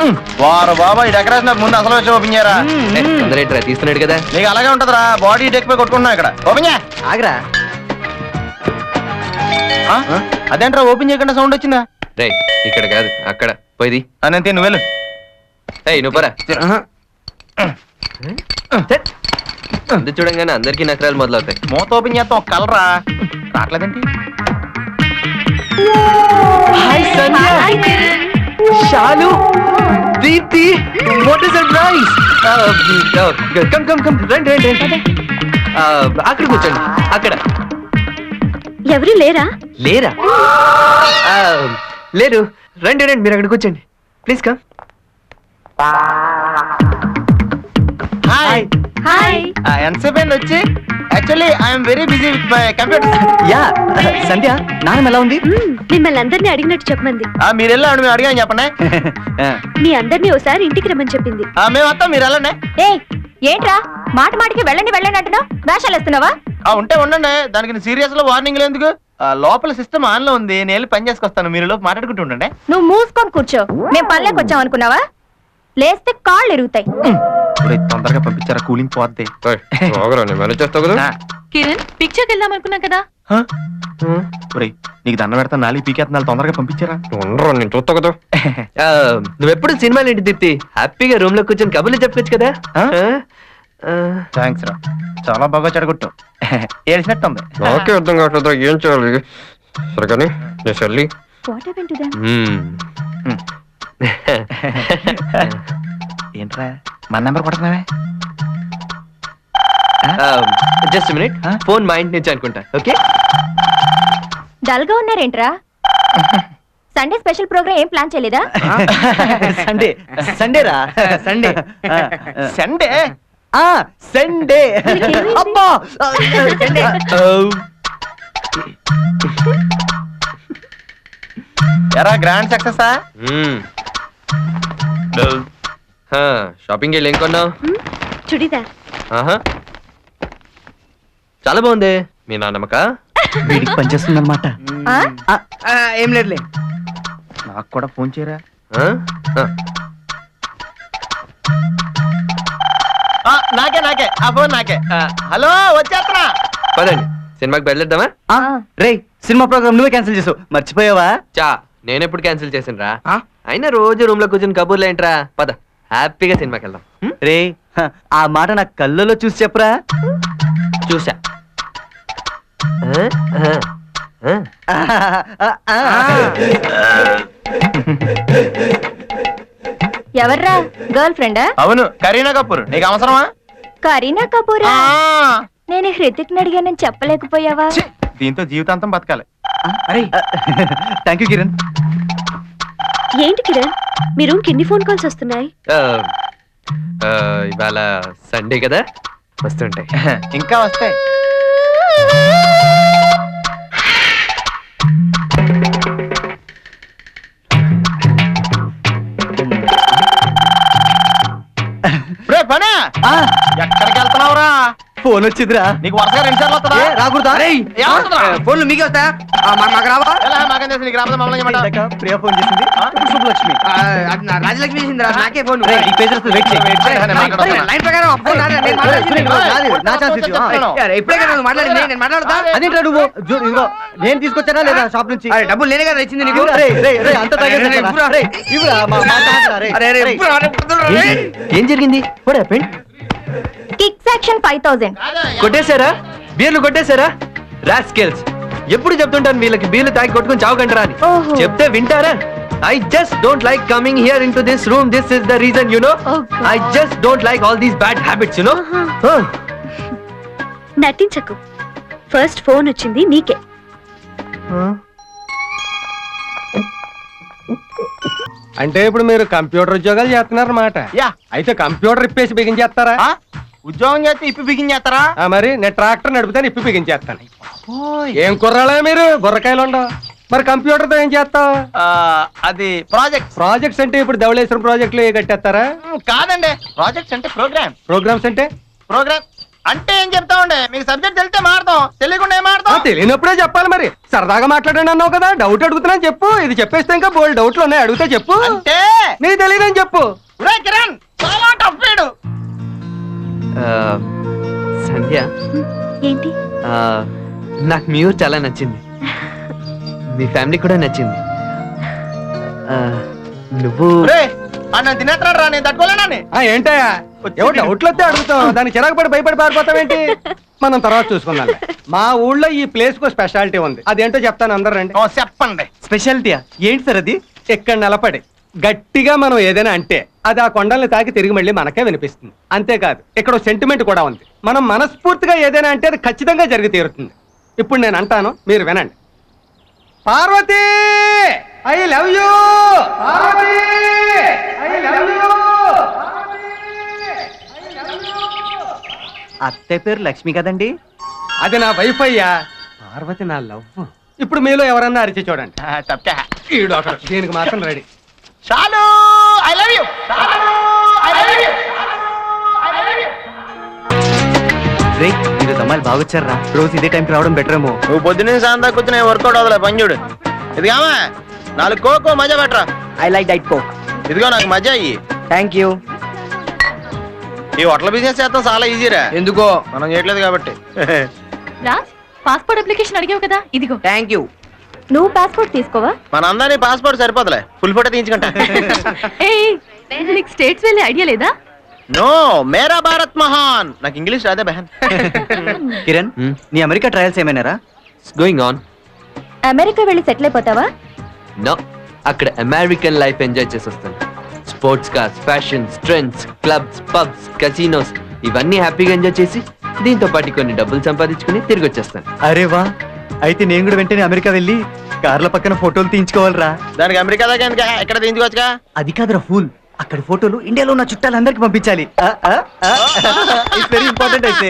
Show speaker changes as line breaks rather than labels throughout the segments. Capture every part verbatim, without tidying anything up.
వారు బాబా ఈ డెకరేషన్ ముందు అసలు వచ్చి ఓపెన్ చేయరా.
తొందర తీస్తున్నాడు కదా,
నీకు అలాగే ఉంటదిరా. బాడీ డెక్ పై కొట్టుకుంటున్నా ఇక్కడ. ఓపెన్ చేయ.
ఆగరా.
అదేంట్రా ఓపెన్ చేయకుండా సౌండ్ వచ్చిందా?
రే ఇక్కడ కాదు అక్కడ పోయింది.
అనంతే నువ్వు వెళ్ళు.
ఏయ్ నువ్వు పరా. అందు చూడంగానే అందరికీ నకరాలు మొదలవుతాయి.
మూత ఓపెన్ చేస్తాం ఒక కలరా రావట్లేదేంటి?
Shalu, Deepti, what is surprise. Come come come రండి రండి రండి. అక్కడ కూర్చోండి. అక్కడ
ఎవరు లేరా?
లేరా? లేరు. రండి రండి మీరు అక్కడ కూర్చోండి ప్లీజ్. కమ్.
Hi
hi.
ఎంతసేపు అయింది వచ్చి? Actually I'm very busy with my computer.
Yeah Sandhya, నాన్నమ్మ ఎలా ఉంది?
మిమ్మల్ని అందరినీ అడిగినట్టు చెప్పమంది.
మీరు వెళ్ళండి, మేము అడిగాను చెప్పండి.
మీ అందరినీ ఒకసారి ఇంటికి రమ్మని చెప్పింది.
మేము వస్తాం, మీరు వెళ్ళండి.
ఏ ఏంట్రా మాట మాటికి వెళ్ళండి వెళ్ళండి అంటున్నావు? వేషాలు వేస్తున్నావా?
ఉంటే ఉండండి, దానికి సీరియస్ లో వార్నింగ్ ఎందుకు? లోపల సిస్టమ్ ఆన్ లో ఉంది, నేను వెళ్ళి పని చేసుకొస్తాను. మీరు లోపు మాట్లాడుకుంటూ ఉండండి.
నువ్వు మూసుకొని కూర్చో. మేము పల్లెకి వచ్చాం అనుకున్నావా? లేస్తే కాళ్ళు ఎరుగుతాయి.
తొందరగా పంపించారా, కూలింగ్ పోద్ది.
కిరణ్ పిక్చర్కి వెళ్దాం అనుకున్నా కదా.
నీకు దండ పెడతా, నాలుగు పీకేస్తున్నాను, తొందరగా పంపించారా.
నేను చూస్తా కదా. నువ్వెప్పుడు సినిమాలు ఏంటి దీప్తి? హ్యాపీగా రూమ్ లో కూర్చొని కబుర్లు చెప్పొచ్చు కదా.
థ్యాంక్స్ రా, చాలా బాగా చెడగొట్టు. ఏడిసినట్టు ఉంది.
నాకే అర్థం కావట్లేదు ఏం చేయాలి. సరే కానీ నేను చెల్లి.
ఏంట్రా మన నెంబర్ కొడుతున్నావే?
జస్ట్ మినిట్, ఫోన్ మా ఇంటి నుంచి అనుకుంటా. ఓకే.
డల్ గా ఉన్నారేంట్రా? సండే స్పెషల్ ప్రోగ్రామ్ ఏం ప్లాన్ చేయలేదా?
సండే సండే రా సండే సండే సండే అబ్బా ఎరా గ్రాండ్ సక్సెసా?
షాపింగ్ వెళ్ళి ఏం కొన్నావు?
చుడిదార్.
చాలా బాగుంది. మీ నాన్నమ్మక
వీడికి పనిచేస్తుంది అనమాట.
ఏం లేదులే.
నాకు కూడా ఫోన్ చేయరా. నాకే నాకే ఆ ఫోన్ నాకే. హలో వచ్చేస్తున్నా.
పదండి సినిమాకి బయలుదేద్దామా?
రే సినిమా ప్రోగ్రామ్ నువ్వే క్యాన్సిల్ చేసావు, మర్చిపోయావా?
చా నేను ఎప్పుడు క్యాన్సిల్ చేసిన రా. అయినా రోజు రూమ్ లో కూర్చొని కబుర్లు ఏంట్రా. పద హ్యాపీగా సినిమాకి వెళ్దాం.
రే ఆ మాట నా కళ్ళలో చూసి చెప్పరా.
చూసా.
ఎవర్రా? గర్ల్ ఫ్రెండా?
అవును, కరీనా కపూర్. నీకు అవసరమా?
కరీనా కపూరా? నేను హృతిక్ అడిగానని చెప్పలేకపోయావా?
దీంతో జీవితాంతం బతకాలి.
Thank you Kiran.
ఏంటి కిరణ్, మీ రూమ్ కి ఎన్ని ఫోన్ కాల్స్ వస్తున్నాయి?
ఇవాళ సండే కదా, వస్తుంటాయి.
ఇంకా వస్తాయి. పనా ఎక్కడికి వెళ్తున్నావురా?
ఫోన్ వచ్చిందిరా.
నీకు వరుసగా రెండు సార్లు వస్తుందా?
రాకూడదా? ఫోన్లు మీకే వస్తా, మాకు రావా?
మాకేం తెలుసు, నీకు రాబోతే మమ్మల్ని ఏమంటావు?
ప్రియా ఫోన్ చేసింది. శుభలక్ష్మి రాజలక్ష్మి చేసిందిరా. నాకే ఫోన్. లైన్ ప్రకారం అదేంట్రా నువ్వు? ఇదిగో నేను తీసుకొచ్చానా లేదా షాప్ నుంచి? డబ్బులు నేనే కదా ఇచ్చింది నీకు.
ఏం జరిగింది?
కిక్ సెక్షన్ ఫైవ్ థౌసండ్
కొట్టేశారా? బీర్లు కొట్టేశారా? రాస్కెల్స్. ఎప్పుడు చెప్తుంటాను వీళ్ళకి బీర్లు తాగి కొట్టుకుని చావకంటారా అని. చెప్తే వింటారా? I just don't like coming here into this room. This is the reason, you know.
Oh,
I just don't like all these bad habits, you know.
Uh-huh. నటించకు. ఫస్ట్ ఫోన్ వచ్చింది నీకే.
అంటే ఇప్పుడు మీరు కంప్యూటర్ ఉద్యోగాలు చేస్తున్నారన్నమాట.
యా.
అయితే computer ఇప్పేసి బిగించేస్తారా?
ఉద్యోగం చేస్తే ఇప్పి బిగించేస్తారా?
మరి నేను ట్రాక్టర్ నడిపితే ఇప్పి బిగించేస్తాను. ఏం కుర్రాలా మీరు? బుర్రకాయలు ఉండవు. మరి కంప్యూటర్ తో ఏం చేస్తావు?
అది ప్రాజెక్ట్.
ప్రాజెక్ట్స్ అంటే ఇప్పుడు ధవళేశ్వరం ప్రాజెక్టులు ఏ కట్టేస్తారా?
కాదండి, ప్రాజెక్ట్స్ అంటే ప్రోగ్రామ్.
ప్రోగ్రామ్స్ అంటే
ప్రోగ్రామ్ అంటే ఏం చెప్తామండి మీకు సబ్జెక్ట్ తెలిస్తే మాడతాం తెలియకుండా ఏం
ఆ,
మాడతాం
తెలియనప్పుడే చెప్పాలి మరి. సరదాగా మాట్లాడండి అన్నావు కదా, డౌట్ అడుగుతున్నాను చెప్పు. ఇది చెప్పేస్తే ఇంకా బోల్డ్ డౌట్లు ఉన్నాయి, అడిగితే చెప్పు.
అంటే
నీకు తెలియదని చెప్పు.
ఒరేయ్ కిరణ్ చాలా టఫ్ వీడు.
ఆ, సంధ్య
ఏంటి?
ఆ, నాకు మీ ఊరు చాలా నచ్చింది, మీ ఫ్యామిలీ కూడా నచ్చింది. ఆ, నువ్వు
ఒరేయ్ అన్న తినేస్తున్నాడు రా నేను తట్టుకోలేనని.
ఆ, ఏంటయ్యా ఎవరు డౌట్లు వస్తే అడుగుతాం, దానికి చిరాకు పడి భయపడి పారిపోతావేంటి? మనం తర్వాత చూసుకుందాం. మా ఊళ్ళో ఈ ప్లేస్ కు స్పెషాలిటీ ఉంది, అదేంటో చెప్తాను, అందరు రండి.
ఓ చెప్పండి.
స్పెషాలిటీయా ఏంటి సార్ అది?
ఇక్కడ నిలబడి గట్టిగా మనం ఏదైనా అంటే అది ఆ కొండల్ని తాకి తిరిగి మళ్ళీ మనకే వినిపిస్తుంది. అంతేకాదు ఇక్కడ సెంటిమెంట్ కూడా ఉంది. మనం మనస్ఫూర్తిగా ఏదైనా అంటే అది ఖచ్చితంగా జరిగి తీరుతుంది. ఇప్పుడు నేను అంటాను, మీరు వినండి. Parvati I love you, Parvati I love you.
అత్తయ్య పేరు లక్ష్మి కదండి?
అది నా వైఫ్ అయ్యా, పార్వతి నా లవ్. ఇప్పుడు మీలో ఎవరన్నా అరిచి చూడండి.
ఆ, తప్పా
ఈ డాక్టర్ దీనికి మాత్రం రెడీ.
చాలు I love you I love you.
రే ఈరోజు అమ్మాయిలు బాగొచ్చారా? రోజు ఇదే టైంకి రావడం బెటర్ ఏమో.
నువ్వు పొద్దున్నే సాయంత్రం దాకా కూర్చుని వర్కౌట్ అవ్వలే పని చూడు. ఇదిగామా నాలుగు కోకో మజా పెట్టరా.
I like diet Coke.
ఇదిగో నాకు మజా అయ్యి.
Thank you.
ఈ హోటల్ బిజినెస్ చేస్తాం చాలా ఈజీరా.
ఎందుకో
మనం చేయట్లేదు కాబట్టి.
రాజ్ పాస్పోర్ట్ అప్లికేషన్ అడిగావు కదా, ఇదిగో.
Thank you.
నువ్వు పాస్పోర్ట్ తీసుకోవా?
మన అందరినీ పాస్పోర్ట్ సరిపోతలే, ఫుల్ ఫోటో తీయించుకుంటా.
నీకు స్టేట్స్ వెళ్ళే ఐడియా లేదా?
నో మేరా భారత్ మహాన్. నాకు ఇంగ్లీష్ రాదే బహన్.
కిరణ్ నీ అమెరికా ట్రయల్స్ ఏమైనారా?
Going on.
అమెరికా వెళ్ళి సెటిల్ అయిపోతావా?
నో, అక్కడ అమెరికన్ లైఫ్ ఎంజాయ్ చేసి వస్తాను. Sports cars, fashions, trends, clubs, pubs, casinos ఇవన్నీ హ్యాపీగా ఎంజాయ్ చేసి దీంతో పాటు కొన్ని డబ్బులు సంపాదించుకుని తిరిగి వచ్చేస్తాను.
అరే వా, అయితే నేను కూడా వెంటనే అమెరికా వెళ్ళి కార్ల పక్కన ఫోటోలు తీయించుకోవాలరా.
దానికి అమెరికా దాకా ఎందుకు? ఇక్కడ తీయించుకోవచ్చుగా.
అది కాదురా ఫూల్, అక్కడ ఫోటోలు ఇండియాలో ఉన్న చుట్టాలందరికి పంపించాలి. ఇట్స్ వెరీ ఇంపార్టెంట్ అయితే.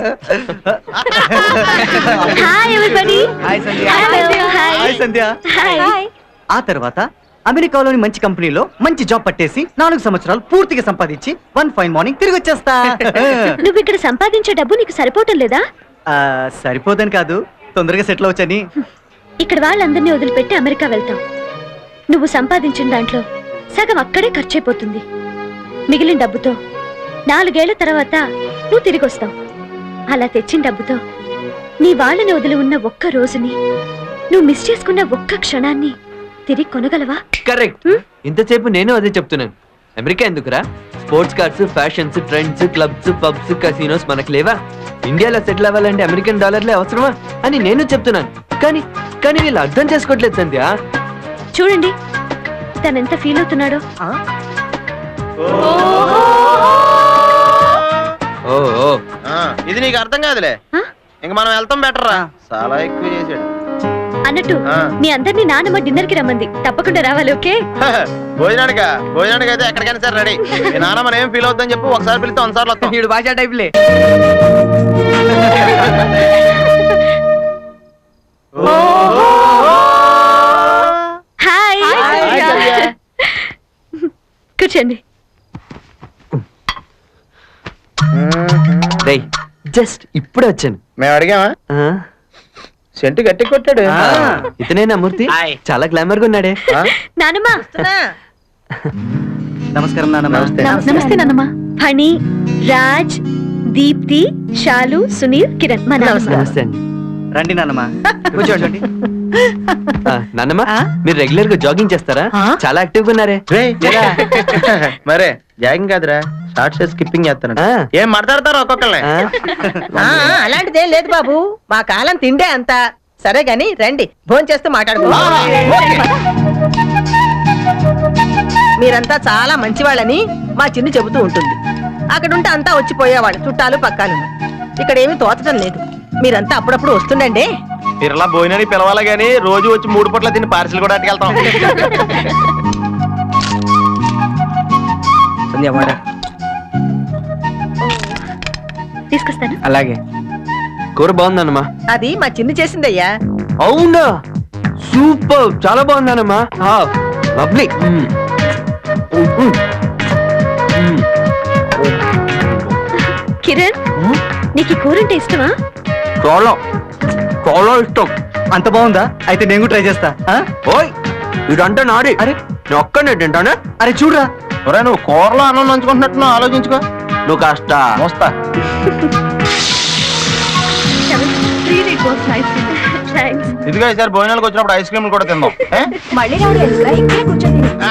Hi everybody.
Hi Sandhya.
Hello. Hi.
Hi Sandhya.
Hi.
ఆ తర్వాత అమెరికాలోని మంచి కంపెనీలో మంచి జాబ్ పట్టేసి నాలుగు సంవత్సరాలు పూర్తిగా సంపాదించి వన్ ఫైన్ మార్నింగ్ తిరిగి వచ్చేస్తా.
నువ్వు ఇక్కడ సంపాదించే డబ్బు నీకు సరిపోవటం లేదా?
ఆ, సరిపోదని కాదు, తొందరగా సెటిల్ అవచ్చని.
ఇక్కడ వాళ్ళందరినీ వదిలిపెట్టి అమెరికా వెళ్తావు. నువ్వు సంపాదించిన దాంట్లో సగం అక్కడే ఖర్చయిపోతుంది. మిగిలిన డబ్బుతో నాలుగేళ్ల తర్వాత నువ్వు తిరిగి వస్తావు. అలా తెచ్చిన డబ్బుతో నీ వాళ్ళని వదిలి ఉన్న ఒక్క రోజుని, నువ్వు మిస్ చేసుకున్న ఒక్క క్షణాన్ని తిరిగి కొనగలవా?
కరెక్ట్. ఇంతసేపు నేను అదే చెప్తున్నాను. అమెరికా ఎందుకురా? Sports cars, fashions, trends, clubs, pubs, casinos మనకు లేవా? ఇండియాలో సెటిల్ అవ్వాలంటే అమెరికన్ డాలర్లే అవసరమా అని నేను చెప్తున్నాను. కానీ కానీ వీళ్ళు అర్థం చేసుకోవట్లేదు సంధ్య.
చూడండి తనెంత ఫీల్ అవుతున్నాడో.
ఓ ఓ.
ఆ, ఇది నీకు అర్థం కాదులే.
ఆ?
ఇంక మనం వెళ్తాం బెటర్ రా. చాలా ఎక్కువ చేసాడు.
అన్నట్టు
ఆ.
మీ అందరినీ నానమ్మ డిన్నర్ కి రమ్మంది, తప్పకుండా రావాలి. ఓకే?
భోజనానికా? భోజనానికి అయితే ఎక్కడికైనా సరే రెడీ. మీ నాన్న మనం ఏం ఫీల్ అవుతుందని చెప్పు, ఒకసారి పిలిస్తే ఒకసారి వస్తాం.
వీడు భాషా టైప్లే.
హాయ్. కూర్చోండి.
రేయ్, జస్ట్ ఇప్పుడే వచ్చాను.
మేము అడిగామా?
ఆ,
సెంటు గట్టి కొట్టాడు.
ఆ.
ఇతనేనా మూర్తి? చాలా గ్లామర్ గా ఉన్నాడే.
ఆ?
నానమ్మ.
నమస్కారం నాన్న.
నమస్తే.
నమస్తే నానమ్మ. ఫణి, రాజ్, దీప్తి, శాలు, సునీల్, కిరణ్. మా నాన్నమ్మ.
నమస్తే అండి.
రండి నాన్నమ్మ, కూర్చోండి.
ఆ, నాన్నమ్మ మీరు రెగ్యులర్ గా జాగింగ్ చేస్తారా? చాలా యాక్టివ్ గా ఉన్నారే.
రేయ్, ఏరా? మరే జాగింగ్ కాదురా, షార్ట్ స్కిప్పింగ్ చేస్తాను.
ఆ.
ఏం మాట్లాడతారు ఒక్కొక్కళ్ళని?
ఆ,
ఆ, అలాంటిదేం లేదు బాబు, మా కాలం తిండే అంత. సరే గాని రండి, భోంచేస్తూ మాట్లాడుకో. మీరంతా చాలా మంచివాళ్ళని మా చిన్ను చెబుతూ ఉంటుంది. అక్కడుంటే అంతా వచ్చిపోయేవాళ్ళు, చుట్టాలు పక్కాలు. ఇక్కడ ఏమీ తోచడం లేదు. మీరంతా అప్పుడప్పుడు వస్తుండండి.
తిరలా భోజనానికి పిలవాలి గానీ రోజు వచ్చి మూడు పూట్ల తిని పార్సిల్ కూడా అట్టుకెళ్తాం.
తీసుకొస్తాను.
అలాగే.
కూర బాగుందన్నమా.
అది మా చిన్ను చేసిందయ్యా.
అవునా? సూపర్, చాలా బాగుందన్నమా. లవ్లీ.
కిరణ్ నీకు ఈ కూర అంటే ఇష్టమా?
చాలా చాలా ఇష్టం.
అంత బాగుందా? అయితే నేను కూడా ట్రై చేస్తా. ఆ?
ఓయ్ ఇదంటే నాడి.
అరే
నేను ఒక్కనే తింటానే.
అరే చూడరా,
ఒరే నువ్వు కూరలో అన్నం నంచుకుంటున్నట్టు నువ్వు ఆలోచించుకో.
నువ్వు కాస్త
మోస్తా.
థ్యాంక్స్.
ఇదిగో ఈసారి భోజనాలకు వచ్చినప్పుడు ఐస్ క్రీమ్ కూడా తిందాం. ఏ?
మళ్ళీ రావడం ఎందుకురా? ఇక్కడే కూర్చొని తిను.